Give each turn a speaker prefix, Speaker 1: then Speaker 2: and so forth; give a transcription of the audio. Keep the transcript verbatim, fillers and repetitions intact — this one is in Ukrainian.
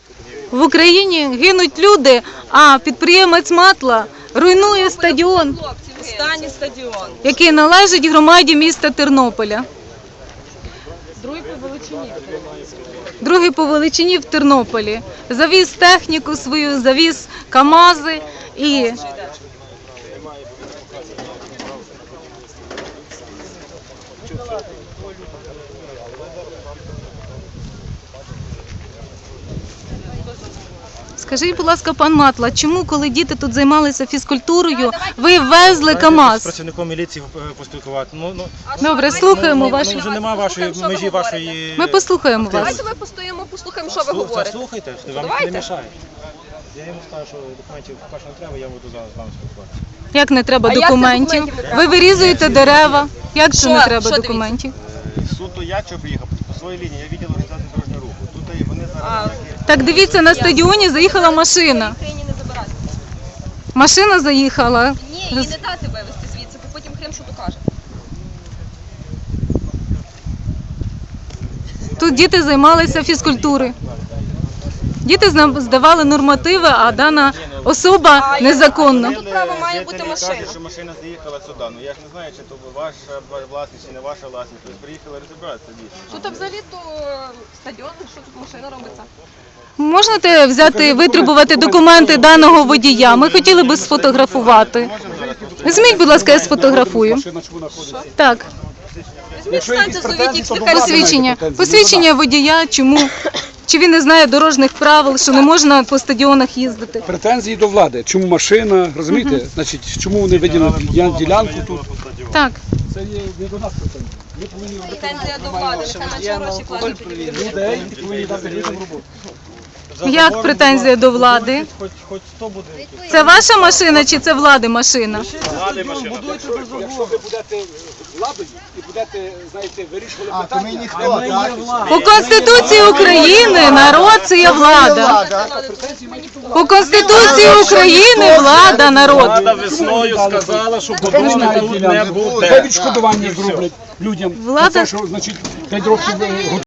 Speaker 1: В Україні гинуть люди, а підприємець Матла руйнує стадіон,
Speaker 2: Останній стадіон.
Speaker 1: який належить громаді міста Тернополя.
Speaker 2: Другий по величині.
Speaker 1: Другий по величині в Тернополі. Завіз техніку свою, завіз КАМАЗи і... Скажіть, будь ласка, пан Матла, чому, коли діти тут займалися фізкультурою, ви везли КАМАЗ?
Speaker 3: З працівником міліції поспілкувати. Ну, ну,
Speaker 1: Добре, слухаємо
Speaker 3: ну,
Speaker 1: вашу...
Speaker 3: вже немає вашої межі вашої...
Speaker 1: Ми послухаємо вас.
Speaker 2: Давайте ми постоїмо, послухаємо, що ви говорите.
Speaker 3: Слухайте, вам
Speaker 2: Давайте.
Speaker 3: не мішає. Я йому скажу, що документів перше не треба, я буду з вами спілкуватися.
Speaker 1: Як не треба
Speaker 2: А як це
Speaker 1: документів?
Speaker 2: документів не треба?
Speaker 1: Ви вирізуєте дерева. Як це
Speaker 2: Що?
Speaker 1: не треба
Speaker 2: Що
Speaker 1: документів?
Speaker 3: Суто я що приїхав по своїй лінії, я відділ організації дорожнього руху. Тут і вони
Speaker 2: А,
Speaker 3: зараз...
Speaker 1: Так дивіться, на стадіоні заїхала машина.
Speaker 2: Україні не забирати.
Speaker 1: Машина заїхала.
Speaker 2: Ні, її не дати вивезти звідси, бо потім Крим що докаже.
Speaker 1: Тут діти займалися фізкультурою. Діти зна- здавали нормативи, а дана особа незаконно.
Speaker 2: Тут право має бути
Speaker 3: Жителі
Speaker 2: машина.
Speaker 3: кажуть, що машина заїхала сюди. Ну я ж не знаю, чи то ваша власність, чи не ваша власність. Тобто приїхали розібратися дійсно.
Speaker 2: Тут взагалі то стадіон, що тут машина робиться.
Speaker 1: Можете взяти і витребувати документи даного водія? Ми хотіли би сфотографувати. Візьміть, будь ласка, я сфотографую. Так,
Speaker 2: Візьміть, станьте, зовіть їх,
Speaker 1: посвідчення. Посвідчення водія, чому? Чи він не знає дорожніх правил, що не можна по стадіонах їздити?
Speaker 4: Претензії до влади. Чому машина, розумієте? Значить, чому вони виділили діля- ділянку тут?
Speaker 1: Так.
Speaker 4: Це є не до нас претензії. Ми повинні робити
Speaker 2: Претензія до влади, нехай менше гроші платять.
Speaker 4: людей і повинні дати людям роботу.
Speaker 1: Як претензія до влади?
Speaker 3: Хоч, хоч хто буде.
Speaker 1: Це ваша машина чи це влади машина?
Speaker 4: Будуйте без Якщо ви будете владою і будете, знаєте, вирішувати питання,
Speaker 5: ми ніхто, так?
Speaker 1: По Конституції України народ це є влада.
Speaker 4: претензії мають до влади.
Speaker 1: По Конституції України влада народ.
Speaker 6: Влада весною сказала, що будови тут не
Speaker 4: Хай
Speaker 6: буде.
Speaker 4: відшкодування зроблять людям.
Speaker 1: Влада-
Speaker 4: За те, що, значить, п'ять років